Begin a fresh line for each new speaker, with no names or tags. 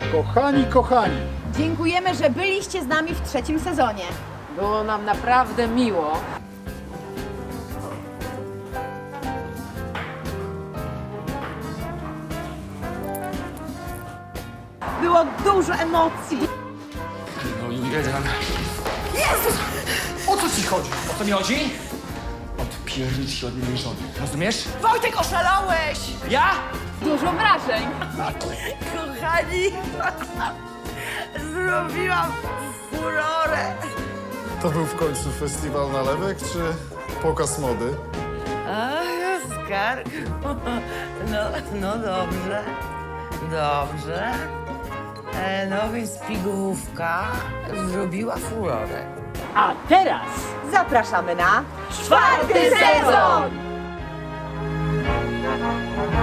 Kochani, kochani,
Dziękujemy, że byliście z nami w trzecim sezonie.
Było nam naprawdę miło.
Było dużo emocji.
No i jeden. Jezus! O co ci chodzi? O co mi chodzi? Odpierdź się od mojej żony. Rozumiesz?
Wojtek, oszalałeś!
Ja?
Dużo wrażeń.
Kochani, zrobiłam furorę.
To był w końcu festiwal nalewek, czy pokaz mody?
Ach, Oskarku. No dobrze. Dobrze. No więc pigułówka zrobiła furorę.
A teraz zapraszamy na czwarty sezon!